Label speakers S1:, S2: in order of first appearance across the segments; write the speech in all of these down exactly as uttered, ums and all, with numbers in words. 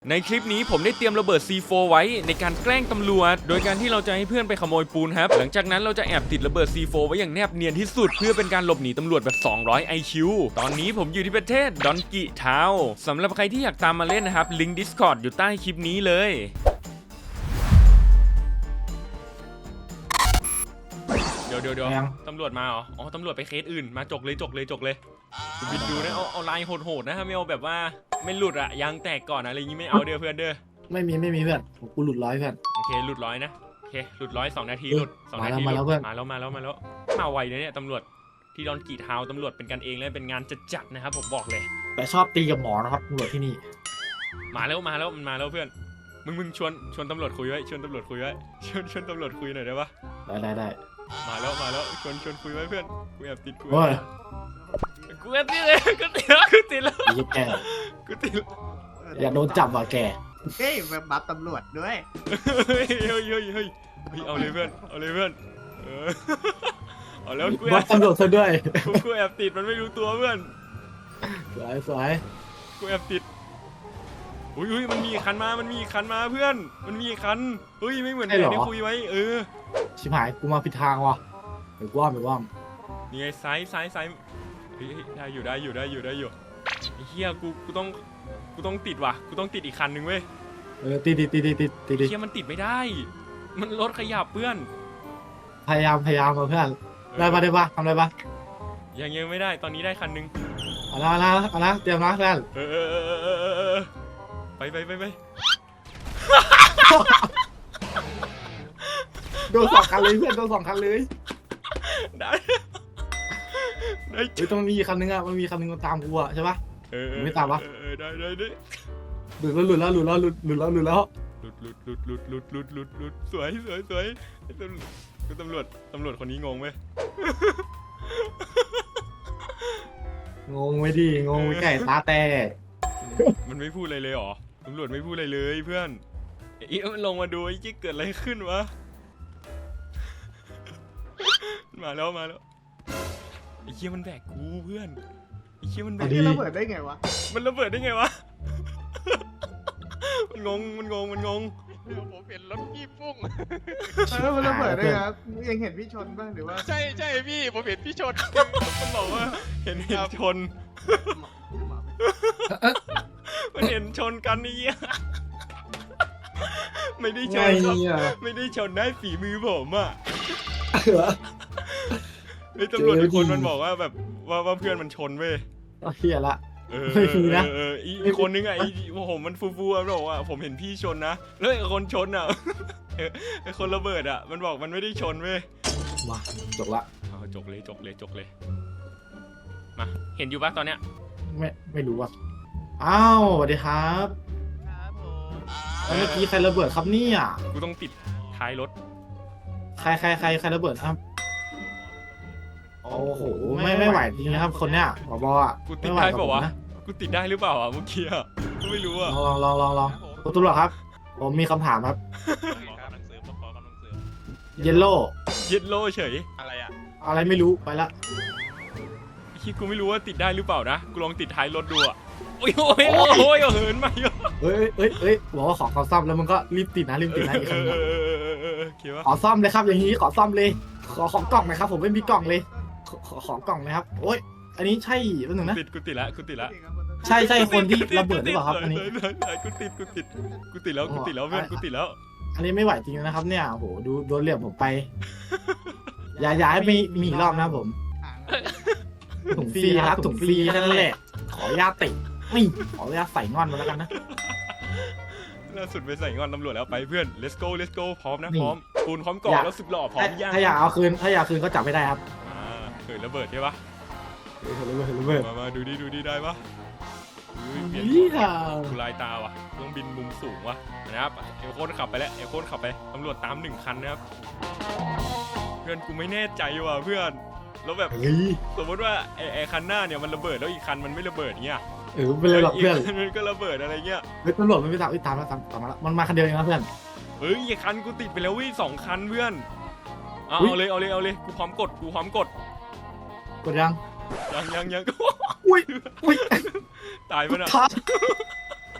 S1: ในคลิปนี้ผมได้เตรียมระเบิด ซี โฟร์ ไว้ในการแกล้งตำรวจโดยการที่เราจะให้เพื่อนไปขโมยปูนครับหลังจากนั้นเราจะแอบติดระเบิด ซี โฟร์ ไว้อย่างแนบเนียนที่สุดเพื่อเป็นการหลบหนีตำรวจแบบสองร้อย ไอ คิว ตอนนี้ผมอยู่ที่ประเทศดอนกิทาวน์สำหรับใครที่อยากตามมาเล่นนะครับลิงก์ Discord อยู่ใต้คลิปนี้เลยเดี๋ยวเดี๋ยวเดี๋ยวตำรวจมาเหรออ๋อตำรวจไปเคสอื่นมาจกเลยจกเลยจกเลยบินดูนะเอาเอาลายโหดๆนะไม่เอาแบบว่าไม่หลุดอะยางแตกก่อนอะไรอย่างงี้ไม่เอาเด้อเพื่อนเด้อ
S2: ไม่มีไม่มีเพื่อนกูหลุดร้อยเพื่อน
S1: โอเคหลุดร้อยนะโอเคหลุดร้อยสองนาทีหลุดสองนาที
S2: มาแล้วเพื่อน
S1: มาแล้วมาแล้วมาแล้วมาไวนะเนี่ยตำรวจที่ดอนกีทาวน์ตำรวจเป็นกันเองและเป็นงานจัดๆนะครับผมบอกเลย
S2: แต่ชอบตีกับหมอนะครับตำรวจที่นี่
S1: มาแล้วมาแล้วมันมาแล้วเพื่อนมึงมึงชวนชวนตำรวจคุยไว้ชวนตำรวจคุยไว้ชวนชวนตำรวจคุยหน่อยได้ปะ
S2: ได้ได้ได้
S1: มาแล้วมาแล้วชวนชวนคุยไว้เพื่อนกูแอบติดกู
S2: โอ้ย
S1: กูแอบติดเลยกูติดแล้วกูติดแล้ว
S2: ยี่แก
S1: กูติด
S2: อย่าโดนจับว่ะแก
S3: เฮ้ยแบบบัฟตำรวจด้วย
S1: เฮ้ยเฮ้ยเฮ้ยเฮ้ยเอาเลยเพื่อนเอาเลยเพื่อนเออเอาแล้วกูแอ
S2: บั
S1: บ
S2: ฟตำรวจซะด้วย
S1: กูแอบติดมันไม่รู้ตัวเพื่อน
S2: สวยสวย
S1: กูแอบติดอุ้ยอุ้ยมันมีคันมามันมีคันมาเพื่อนมันมีคันเฮ้ยไม่เหมือนแผนที่คุยไว้เออ
S2: ชิบหายกูมาผิดทางว่ะไปว่ามไปว่าม
S1: นี่ไงซ้ายซ้ายซ้ายเฮ้ยได้อยู่ได้อยู่ได้อยู่ได้อยู่ไอ้เหี้ยกูกูต้องกูต้องติดว่ะกูต้องติดอีกคันหนึ่งเว้ย
S2: เออติดติดติดติดติดติด
S1: ไอ้เหี้ยมันติดไม่ได้มันรถขยับเพื่อน
S2: พยายามพยายามมาเพื่อนได้ปะได้ปะทำได้ปะ
S1: ยังยังไม่ได้ตอนนี้ได้คันหนึ่ง
S2: เอาละเอาละเอาละเตรียมนะเพื่อน
S1: เออเออเออเออเออเออไปไปไปไป
S2: โดนสองคันเลยเพื่อนโดนสองคันเลย
S1: ได้ได้
S2: เฮ้ยต้องมีคันนึงอะมันมีคันนึงตามกูอะใช่ปะไม่ตามปะ
S1: เออได้ได้ได้
S2: หลุดแล้วหลุดแล้วหลุดแล้วหลุดหลุดแล้วหลุดแล้ว
S1: หลุดหลุดหลุดหลุดหลุดหลุดหลุดหลุดสวยสวยสวยตำรวจตำรวจคนนี้งงไหม
S2: งงไหมดิงงไหมไก่ตาแตก
S1: มันไม่พูดอะไรเลยหรอตำรวจไม่พูดอะไรเลยเพื่อนอีมันลงมาดูไอ้จิ๊กเกิดอะไรขึ้นวะมาแล้วมาแล้วไอ้เชี่ยมันแบกกูเพื่อนไอ้เชี่ยมันแบก
S3: มันระเบิดได้ไงวะ
S1: มันระเบิดได้ไงวะมันงงมันงงมันงงผมเห็นรถพี่ฟุ้ง
S3: เออมันระเบิดได้ไงยังเห็นพี่ชนบ้างหรือว่า
S1: ใช่ใช่พี่ผมเห็นพี่ชนมันบอกว่าเห็นเห็นชนมันเห็นชนกันนี่ไม่ได้ชนครับไม่ได้ชนได้ฝีมือผมอ่ะไอ้ตำรวจทุกคนมันบอกว่าแบบว่าว่าเพื่อนมันชนเว้ย
S2: เฮียละ
S1: เออเอออีกคนนึงอ่ะไอ้ผมมันฟูฟูมันบอกว่าผมเห็นพี่ชนนะแล้วไอ้คนชนอ่ะไอ้คนระเบิดอ่ะมันบอกมันไม่ได้ชนเว้ย
S2: มาจบละ
S1: จกเลยจกเลยจกเลยมาเห็นอยู่ปะตอนเนี้ย
S2: ไม่ไม่รู้อ่ะอ้าวสวัสดีครับ
S3: ครับผม
S2: เมื่อกี้ใครระเบิดครับเนี่ย
S1: กูต้องติดท้ายรถ
S2: ใครใครใครใครระเบิดครับโอ้โหไม่ไม่ไหวจริงนะครับคนเนี้ยผบอ่ะ
S1: กูติดได้ป่าวะกูติดได้หรือเปล่าอ่ะเมื่อกี้อ่ะกูไม่รู้อ่ะ
S2: ลองลองลองลองคุณตำรวจครับผมมีคำถามครับเยลโล่
S1: เยลโล่เฉยอะไรอ่ะ
S2: อะไรไม่รู้ไปละ
S1: คิดกูไม่รู้ว่าติดได้หรือเปล่านะกูลองติดท้ายรถดูอ่ะโอ้ยโอ้ยโอ้ยเหินมาเยอะ
S2: เฮ้ยเฮ้ยเฮ้ยบอกว่าขอขอซ่อมแล้วมึงก็รีบติดนะรีบติดนะอีกครั้งขอซ่อมเลยครับอย่างนี้ขอซ่อมเลยขอของกล่องหน่อยครับผมไม่มีกล่องเลยขอของกล่องนะครับโอ้ยอันนี้ใช่เป็นหนึ่งนะ
S1: ติดกูติดละกูติดละ
S2: ใช่ใช่คนที่ระเบิดหรือเปล่าครับอันนี้
S1: กูติดกูติดกูติดแล้วกูติดแล้วเพื่อนกูติดแล้ว
S2: อันนี้ไม่ไหวจริงนะครับเนี่ยโหดูโดนเหลี่ยมผมไปอย่าอย่าให้มีมีอีกรอบนะผมถุงฟรีครับถุงฟรีแค่นั้นแหละขออนุญาตติดไม่ขออนุญาตใส่งอนมาแล้วกันนะ
S1: ล่าสุดไปใส่งอนตำรวจแล้วไปเพื่อน let's go let's go พร้อมนะพร้อมปูนพร้อมกรอกแล้วสึกหล่อพร้อมย่าง
S2: ถ้าอยากเอาคืนถ้าอยากคืนก็จับไม่ได้ครับ
S1: เกิดระเบิดใช่ปะ
S2: เกิดระเบิดระเบิด
S1: มามาดูดิดูดิได้ปะเปลี่ยนกูลายตาว่ะต้องบินมุมสูงว่ะนะครับเอลโคนขับไปแล้วเอลโคนขับไปตำรวจตามหนึ่งคันนะครับเพื่อนกูไม่แน่ใจว่ะเพื่อนแล้วแบบสมมติว่าไอ้ไอ้คันหน้าเนี่ยมันระเบิดแล้วอีกคันมันไม่ระเบิดเงี้ย
S2: เออเป็นไรหรอกเพื่อน
S1: มันก็ระเบิดอะไรเงี้ย
S2: เฮ้ยตำรวจมันไม่ตามตามแล้วตามตามมาแล้วมันมาคันเดียวเองนะเพื่อน
S1: เฮ้ยอีกคันกูติดไปแล้ววิ่งสองคันเพื่อนเอาเลยเอาเลยเอาเลยกูพร้อมกดกูพร้อมกด
S2: กดยัง
S1: ยังยังยัง
S2: อุ้ยอุ้ย
S1: ตายไปนะ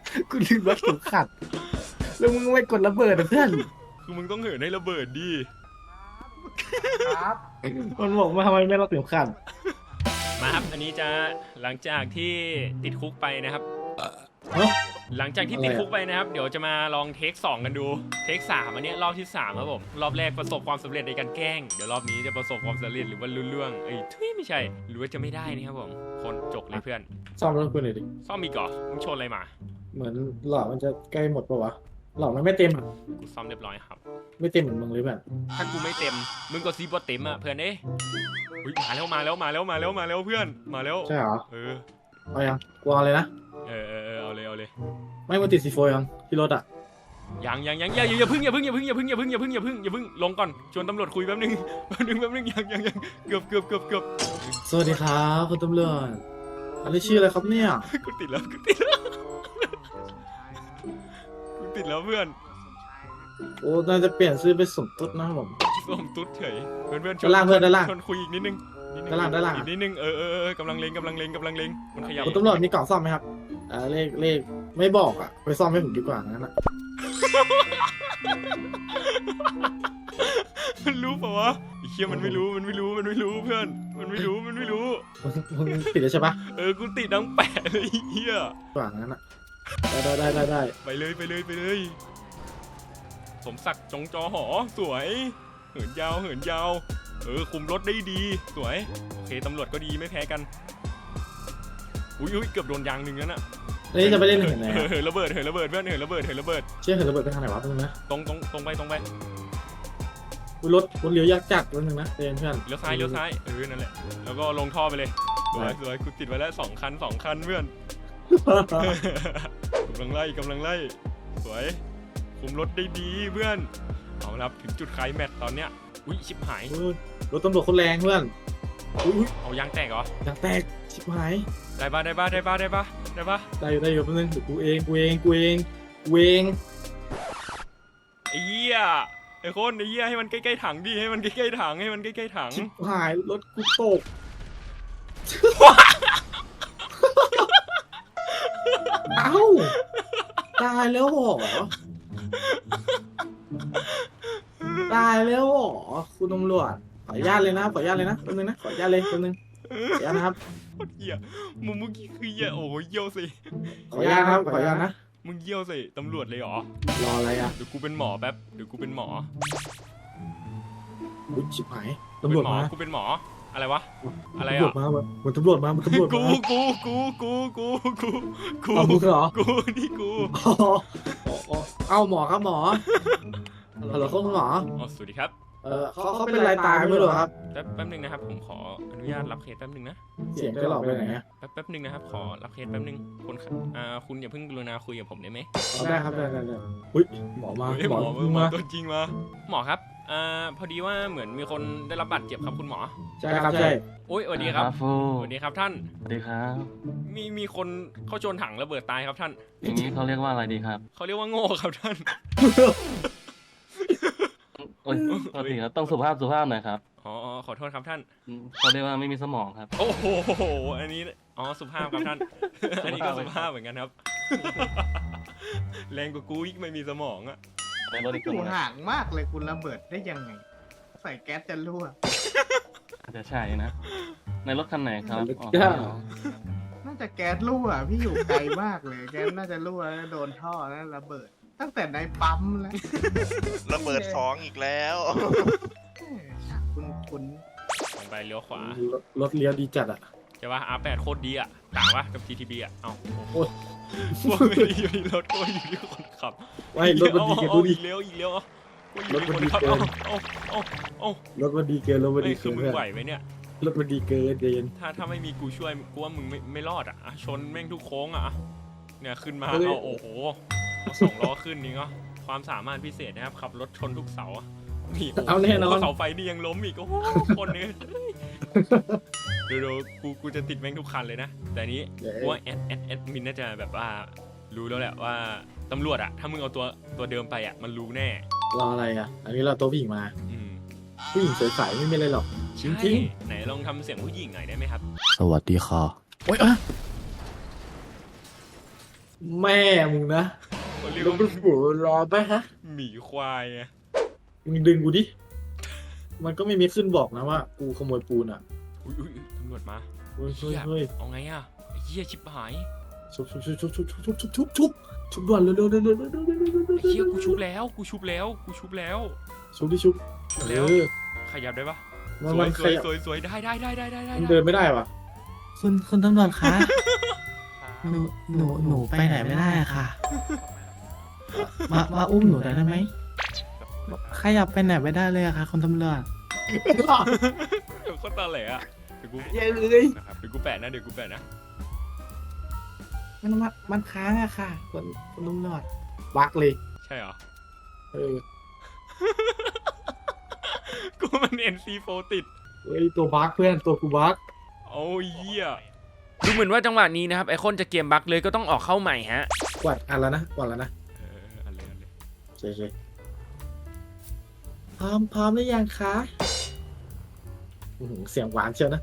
S2: กูลืมรัดเข็มขัดแล้วมึงไม่กดระเบิดอะเพื่อน
S1: คือมึงต้องเหินให้ระเบิดดิ
S3: ครับ
S2: มันบอกว่าทำไมไม่รัดเข็มขัด
S1: มาครับอันนี้จะหลังจากที่ติดคุกไปนะครับ
S2: เอ้า
S1: หลังจากที่ติดคุกไปนะครับเดี๋ยวจะมาลองเทคสองกันดูเทคสามอันเนี้ยรอบที่สามครับผมรอบแรกประสบความสำเร็จในการแกล้งเดี๋ยวรอบนี้จะประสบความสำเร็จหรือว่าลุ้นเรื่องเอ้ยทุยไม่ใช่หรือว่าจะไม่ได้นะครับผมคนจกเลยเพื่อน
S2: ซ่อมรถกูหน่อยดิ
S1: ซ่อมอีกเหรอมึงชนอะไรมา
S2: เหมือนหลอดมันจะใกล้หมดปะวะหลอดมันไม่เต็มอะ
S1: กูซ่อมเรียบร้อยครับ
S2: ไม่เต็มเหมือนมึงเลยแบบ
S1: ถ้ากูไม่เต็มมึงก็ซีบอเต็มอ่ะเพื่อนเอ้ยอุ๊ยมาแล้วมาแล้วมาแล้วมาแล้วมาแล้วเพื่อนมาแล้ว
S2: ใช่เหรอ
S1: เออ
S2: เอายังกูเอาเลยนะ
S1: เออเออเออเอาเลยเอาเลย
S2: ไม่มาติดซีโฟยังที่รถอ่ะ
S1: ยังยังยังอย่าอย่าเพึ่งอย่าเพึ่งอย่าเพึ่งอย่าเพึ่งอย่าเพึ่งอย่าเพึ่งอย่าเพึ่งอย่าเพึ่งลงก่อนชวนตำรวจคุยแป๊บนึงแป๊บนึงแป๊บนึงยังยังยังเกือบเกือบเกือบเกือบ
S2: สวัสดีครับคุณตำรวจอันนี้ชื่ออะไรครับเนี่ย
S1: กูติดแล้วกูติดแล้วกูติดแล้วเพื่อน
S2: โอ้น่าจะเปลี่ยนชื่อไปสมตุ๊ดนะครับผม
S1: ส้มตุ๊ดเฉยเพื่อนเพื่อนช
S2: ด้านล่างเพื่อนด้านล่าง
S1: ชวนคุยอีกนิดนึงนิดนึง
S2: ด้านล่างด้านล่าง
S1: อีกนิดนึงเออเออเออกำลังเลงกำลังเลงกำลังเลงมันขยับ
S2: คุณตำรวจมีกล่องซ่อมไหมครับอ่าเลขเลขไม่บอกอ่ะไปซ่อมให้ผมดีกว่างั้นอ่ะ
S1: มันรู้เปล่าวะไอ้เชี่ยมันไม่รู้มันไม่รู้มันไม่รู้เพื่อน มันไม่รู้มันไม่รู้
S2: มึงมึงติดแล้วใช่ปะ
S1: เออกูติดดังแปะเลยไอ้เฮีย
S2: กว่างั้นอ่ะได้ได้ได้ได้
S1: ไปเลยไปเลยไปเลย สมศักดิ์จงจอหอสวย เหินยาวเหินยาว เออคุมรถได้ดีสวยโอเคตำรวจก็ดีไม่แพ้กันอุ้ยอุ้ยเกือบโดนยางหนึ่งแล้วน่ะ
S2: แล้วนี่จะไปเล่นเห็นไหน
S1: เอ
S2: อะ
S1: อเหินระเบิดเหินระเบิดเพื่อนเหินระเบิดเหินระเบิด
S2: เชื่อเห็นระเบิดไปทางไหนวะเพื่อนนะ
S1: ตรงตรงตรงไปตรงไป
S2: อุ๊ยรถรถเลี้ยวยากจัดรถหนึ่งนะเตือนเพื่อน
S1: เลี้ยวซ้ายเลี้ยวซ้ายเออนั่นแหละแล้วก็ลงท่อไปเลยสวยสวยกูติดไว้แล้วสองคันสองคันเพื่อน กำลังไล่กำลังไล่สวยคุมรถได้ดีเพื่อนเอาละครับถึงจุดไคลแม็กซ์ตอนเนี้ยอุ้ยชิบหาย
S2: เออรถตำรวจคนแรงเพื่อนอุ้ย
S1: เอายางแตกเหรอ
S2: อยางแตกชิบหาย
S1: ได้ปะได้ปะได้ปะได้ปะได้ปะ
S2: ได้อยู่ได้อยู่แป๊บนึงเดี๋ยวกูเองกูเองกูเองกูเอง
S1: ไอ้เหี้ยไอ้คนไอ้เหี้ยให้มันใกล้ๆถังดิให้มันใกล้ๆถังให้มันใกล้ๆถัง
S2: ชิบหายรถกูตกเอ้าตายแล้วเหรอตายแล้วเหรอคุณตำรวจขออนุญาตเลยนะขออนุญาตเลยนะแป๊บนึงนะขออนุญาตเลยแป๊บนึงขออนุญาตนะครับ
S1: โคตรเหี้ยมึงเมื่อกี้คือเหี้ยโอ้โหเยี่ยวสิ
S2: ขออนุญาตนะครับขออนุญาตนะ
S1: มึงเยี่ยวสิตำรวจเลยเหรอ
S2: รออะไรอ่ะ
S1: เดี๋ยวกูเป็นหมอแป๊บเดี๋ยวกูเป็นหมอ
S2: อุ๊ยชิบหาย
S1: กู
S2: ตำร
S1: เป็
S2: วจ
S1: นหมอ
S2: มา
S1: กูเป็นหมออะไรวะอะไร
S2: ตำรว
S1: อ่ะ
S2: จมาเหมือนตำรวจมาเหมือนตำรวจ
S1: กู
S2: มา
S1: กูกูกูกูกูกู
S2: เอามึงเหรอ
S1: กูนี่กู
S2: อ๋ออ๋อเอาหมอครับหมอฮัลโหลครับคุณหมอ
S1: อ๋อสวัสดีครับ
S2: เออเขาเขาเป็นไรตายไม่รู้เหรอครับ
S1: แป๊บแป๊บนึงนะครับผมขออนุญาตรับเคสแป๊บนึงนะ
S2: เสียงจะหลอกไปไหนอะ
S1: แป๊บแป๊บนึงนะครับขอรับเคสแป๊บนึงคุณครับอ่าคุณอย่าเพิ่งกรุณาคุยกับผมได้ไหม
S2: เอาได้ครับได้ได้ได้อุ้ยหมอมา
S1: เฮ้ย
S2: ห
S1: ห
S2: ม
S1: ม
S2: อ
S1: อ
S2: เพิ่ง
S1: หมอ
S2: มา
S1: ตัวจริงมาหมอครับอ่าพอดีว่าเหมือนมีคนได้รับบาดเจ็บครับคุณหมอ
S2: ใช่ครับใช่
S1: โอ้ยสวัสดีครับ
S4: ฟู
S1: สวัสดีครับท่าน
S4: สวัสดีครับ
S1: มีมีคนเข้าชนถังระเบิดตายครับท่าน
S4: อย่างนี้เขาเรียกว่าอะไรดีครับ
S1: เขาเรียกว่าโง่ครับท่าน
S4: โอ้ยปกติครับต้องสุภาพสุภาพหน่อยครับ
S1: อ๋ออ๋อขอโทษครับท่าน
S4: อืมเขาเรียกว่าไม่มีสมองครับ
S1: โอ้โหอันนี้อ๋อสุภาพครับท่าน อันนี้ก็สุภาพเหมือนกันครับ แรงกว่ากูอีกไม่มีสมองอะ
S4: ในรถอีก
S3: อ
S4: คน
S3: ยู่
S4: นะ
S3: ห่างมากเลยคุณระเบิดได้ยังไง ใส่แก๊สจะรั่ว
S4: อาจจะใช่นะ ในรถคันไหนครับอ๋อ
S3: น่าจะแก๊สรั่วพี่อยู่ไกลมากเลย แก๊สน่าจะรั่วแล้วโดนท่อแล้วระเบิด ตั้งแต่ในปั๊มแล้ว
S5: ระเบิดสองอีกแล้ว
S3: คุณคุณ
S1: ลงไปเลี้ยวขวาร
S2: ถรถเลี้ยวดีจัดอ่ะ
S1: ใช่ป่ะ อาร์ แปด โคตรดีอะต่างปะกับ จี ที บี อะเอ้า
S2: โอ้ย
S1: พวกไม่ได้อยู่ที่รถก็อยู่ที่คนขับ
S2: ไม่รถมันดีเกิน
S1: เอา
S2: ดู
S1: เอา
S2: ดิ
S1: อีกเลี้ยวอีกเลี้ยวก็อยู่ที่คนขับ
S2: รถมันดีเกิ
S1: เอา
S2: น
S1: เอาเอาเอา
S2: รถมันดีเกินรถมัน
S1: เฮ้
S2: ดี
S1: ยคื
S2: เกิ
S1: อน มึง
S2: เพื่อน
S1: ไหวไหมเนี่ย
S2: รถมันดีเกินเย็น
S1: ถ้าถ้าไม่มีกูช่วยกูว่ามึงไม่ไม่รอดอะอะชนแม่งทุกโค้งอะเนี่ยขึ้นมา
S2: เฮ้ย
S1: เอาโอ้โหเอาสองล้อขึ้นนี่ก็ความสามารถพิเศษนะครับขับรถชนทุกเสาอะนี่โอ้โห
S2: เอาแน่นอน
S1: เสาไฟนี่ยังล้มอีกโอ้โหคนนี้เดี๋ยวๆกูกูจะติดแม่งทุกคันเลยนะ แต่อันนี้
S2: เดี๋ยว
S1: กูว่าแอดแอดแอดมินน่าจะแบบว่ารู้แล้วแหละว่าตำรวจอะถ้ามึงเอาตัวตัวเดิมไปอะมันรู้แน่
S2: รออะไรอ่ะ อันนี้เราตัวผู้หญิงมา
S1: อืม
S2: ผู้หญิงสวยใสไม่มีอะไรหรอกจริงจริง
S1: ใช่ไหนลองทำเสียงผู้หญิงหน่อยได้ไหมครับ
S2: สวัสดีค่ะโอ๊ยอ่ะแม่มึงนะ
S1: เขาเรียก
S2: แล้ว
S1: ว่า
S2: เป็นหัวรอไปฮะ
S1: หมีควายไง
S2: มึงดึงกูดิ มันก็ไม่มีขึ้นบอกนะว่า กูขโมยปูนอ่ะ
S1: อุ้ยอุ้ยอุ๊ยตำรวจมา
S2: เฮ้ยเฮ้ย
S1: เหี้ย
S2: เฮ้ย
S1: เอาไงอะไอ้เหี้ยชิบหาย
S2: ชุบชุบชุบชุบชุบชุบชุบชุบชุบชุบด่วนเร็วเร็วเร็วเร็วเร็วเร็วเร็วเร็วเร็ว
S1: ไอ้เหี้ยกูชุบแล้วกูชุบแล้วกูชุบแล้ว
S2: ชุบดิชุบ
S1: เร็ว
S2: เออ
S1: ขยับได้ปะ
S2: มัน
S1: สว
S2: มั
S1: ย
S2: น
S1: ส
S2: ข
S1: วย
S2: ยับ
S1: สวยสวยได้ได้ได้ได้ได้ได้
S2: มันเดินไม่ได้ว่ะ
S6: คุณคุณตำรวจคะ หนูหนูหนูไปไหนไม่ได้อะค่ะ มามาอุ้มหนูได้ไหมขยับไปไหนไม่ได้เลยอะค่ะคุณตำรวจ
S1: เดี๋ยวก็ตาแหลอะเดี๋ยวกู
S2: เย้เลย
S1: นะครับเดี๋ยวกูแปะนะเดี๋ยวกูแปะนะ
S2: มันมันมันค้างอะค่ะคนคนตำรวจบักเลย
S1: ใช่เหรอ
S2: เออ
S1: กูมัน เอ็น ซี โฟร์ ติด
S2: เฮ้ยตัวบักเพื่อนตัวกูบัก
S1: โอ้ยเหี้ยดูเหมือนว่าจังหวะนี้นะครับไอคอนจะเกมบั๊กเลยก็ต้องออกเข้าใหม่ฮะ
S2: กวาดอันแล้วนะกวาดแล้วนะ
S1: เอออันเลยอันเลย
S2: โอเคโอเคพร้อมพร้อมหรือยังคะอื้อหือเสียงหวานเชียวนะ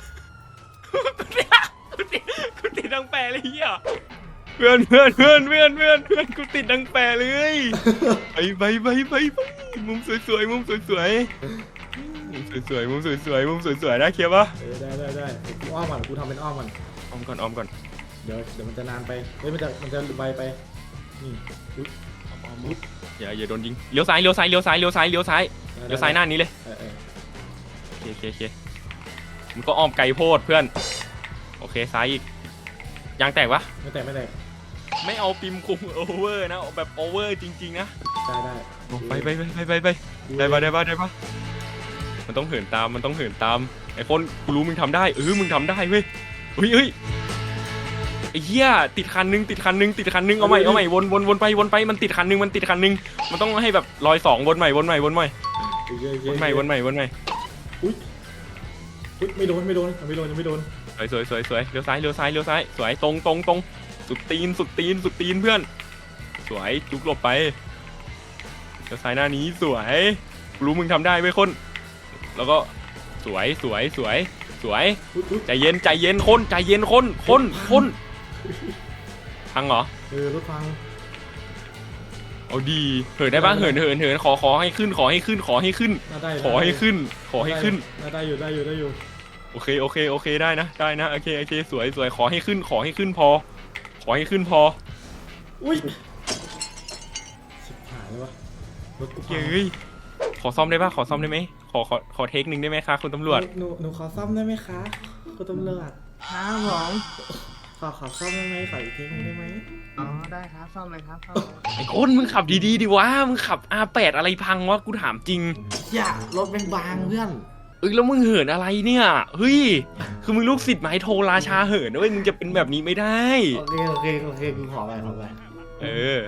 S1: กูติดกูติดดังแปรเลยเหี้ยเพื่อนเพื่อนเพื่อนเพื่อนเพื่อนเพื่อนกูติดดังแปรเลยไปไปไปไปไปมุมสวยๆมุมสวยๆมุมสวยๆมุมสวยๆมุมสวยๆได้เคลียร์ปะ
S2: เออได้ได้ได้เดี๋ยวกูอ้อมก่อนกูทำเป็นอ้อมก่อน
S1: ออมก่อนออมก่อน
S2: เดี๋ยวเดี๋ยวมันจะนานไปเฮ้ยมันจะมันจะไวไปนี่อุ๊ย
S1: ออมออมอย่าอย่าโดนยิงเลี้ยวซ้ายเลี้ยวซ้ายเลี้ยวซ้ายเลี้ยวซ้ายเลี้ยวซ้ายเลี้ยวซ้ายหน้านี้เลย
S2: เออเออ
S1: โอเคโอเคโอเคมันก็อ้อมไกลโพดเพื่อนโอเคซ้ายอีกยางแตกปะ
S2: ไม่แตกไม่แตก
S1: ไม่เอาปิมคุมโอเวอร์นะเอาแบบโอเวอร์จริงๆนะ
S2: ได้ได้
S1: ไปไปไปไปไปไปได้ปะได้ปะได้ปะมันต้องเหินตามมันต้องเหินตามไอ้คนกูรู้มึงทำได้เออมึงทำได้เว้ยเฮ้ยเฮ้ยไอ้เหี้ยติดคันนึงติดคันนึงติดคันนึงเอาใหม่เอาใหม่วนวนวนไปวนไปมันติดคันนึงมันติดคันนึงมันต้องให้แบบรอยสองวนใหม่วนใหม่วนใหม่
S2: โอเคโอเค
S1: วนใหม่วนใหม่วนใหม่
S2: อุ้ยอุ้ยไม่โดนไม่โดนยังไม่โดนยังไม่โดน
S1: สวยสวยสวยสวยเลี้ยวซ้ายเลี้ยวซ้ายเลี้ยวซ้ายสวยตรงตรงตรงสุดตีนสุดตีนสุดตีนเพื่อนสวยจุกหลบไปเลี้ยวซ้ายหน้านี้สวยกูรู้มึงทำได้เว้ยคนแล้วก็สวยสวยสวยสวย
S2: อุ๊ยอุ๊ย
S1: ใจเย็นใจเย็นคนใจเย็นคนคนคนพังเหรอ
S2: เออรถพัง
S1: เอาดีเหินได้ปะเหินเหินเหินขอขอให้ขึ้นขอให้ขึ้นขอให้ขึ้น
S2: น่าได้
S1: ขอให้ขึ้น ขอให้ขึ้น
S2: น่าได้อยู่ได้อยู่ได้อยู่
S1: โอเคโอเคโอเคได้นะได้นะโอเคโอเคสวยสวยขอให้ขึ้น ขอให้ขึ้นพอ ขอให้ขึ้นพอ
S2: อุ้ยชิบหายแล้ววะรถกูพัง
S1: เฮ้ยขอซ่อมได้ปะขอซ่อมได้ไหมขอขอขอเทคหนึ่งได้ไหมคะคุณตำรวจ
S2: หนูหนูขอซ่อมได้ไหมคะคุณตำรวจ
S3: ครับผม
S2: ขอขอซ่อมได้ไหมขออีกทีนึงได้ไหม
S3: อ๋อได้ครับซ่อมเลยครับซ่อมเลย
S1: ไอ้คนมึงขับดีๆดิวะมึงขับ อาร์ แปด อะไรพังวะกูถามจริง
S2: อย่ารถเป็นบางเพื่อน
S1: เอ้ยแล้วมึงเหินอะไรเนี่ยเฮ้ยคือมึงลูกศิษย์ไม้โทราชาเหินด้วยมึงจะเป็นแบบนี้ไม่ได้
S2: โอเคโอเคโอเคกูขอไปขอไป
S1: เออ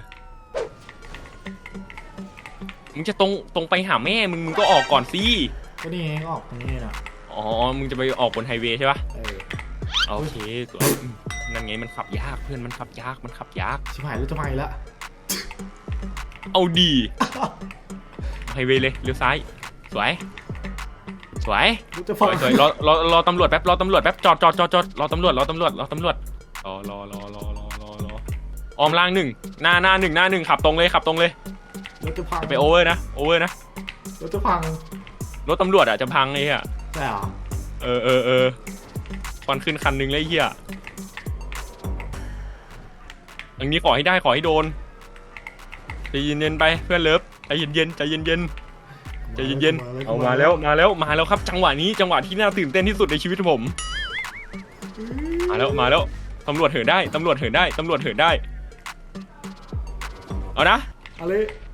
S1: มึงจะตรงตรงไปหาแม่มึงมึงก็ออกก่อนสิ
S2: ก็นี่ไงออกตรงนี้นะ
S1: อ๋อมึงจะไปออกบนไฮเวย์ใช่ปะ
S2: เออ
S1: โอเคตัวนั่นไงมันขับยากเพื่อนมันขับยากมันขับยาก
S2: ชิบหายรถจะมาอีกแล้ว
S1: เอาดีไฮเวย์เลยเลี้ยวซ้ายสวยสวย
S2: รถจะ
S1: ส
S2: พัง
S1: วยสวยรอรอรอตำรวจแป๊บรอตำรวจแป๊บจอดจอดจอดจอดรอตำรวจรอตำรวจรอตำรวจรอรอรอรอรอรอรอออมล่างหนึ่งหน้าหน้าหนึ่งหน้าหนึ่งขับตรงเลยขับตรงเลย
S2: รถจะพัง
S1: ไปโอเวอร์นะโอเวอร์นะ
S2: รถจะพัง
S1: รถตำรวจอ่ะจะพังไอ้เหี้ย
S2: ใช่เหรอ
S1: เออเออเออควันขึ้นคันหนึ่งเลยไอ้เหี้ยอันนี้ขอให้ได้ขอให้โดนใจเย็นๆไปเพื่อนเลิฟใจเย็นๆใจเย็นๆใจเย็นๆเอามาแล้วมาแล้วมาแล้วครับจังหวะนี้จังหวะที่น่าตื่นเต้นที่สุดในชีวิตผมมาแล้วมาแล้วตำรวจเหินได้ตำรวจเหินได้ตำรวจเหินได้เอานะ
S2: อะไร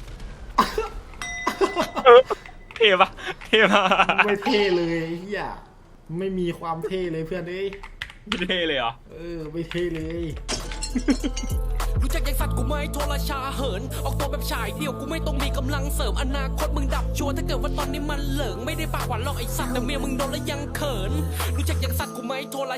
S1: เท่ปะเท่ปะ
S2: ไม่เท่เลยไอ้เฮียไม่มีความเท่เลยเพื่อนเอ้ย
S1: ไม่เท่เลยเหรอ
S2: เออไม่เท่เลย
S7: รู้จักยังสัตว์กูไหม่โทรชาเหินออกตัวแบบฉายเดี่ยวกูไม่ต้องมีกำลังเสริมอนาคตมึงดับชัวร์ถ้าเกิดว่าตอนนี้มันเหลิงไม่ได้ปากหวานหรอกไอสัตว์แต่เมียมึงโดนแล้วยังเขินรู้จักยังสัตว์กูไหม่โทร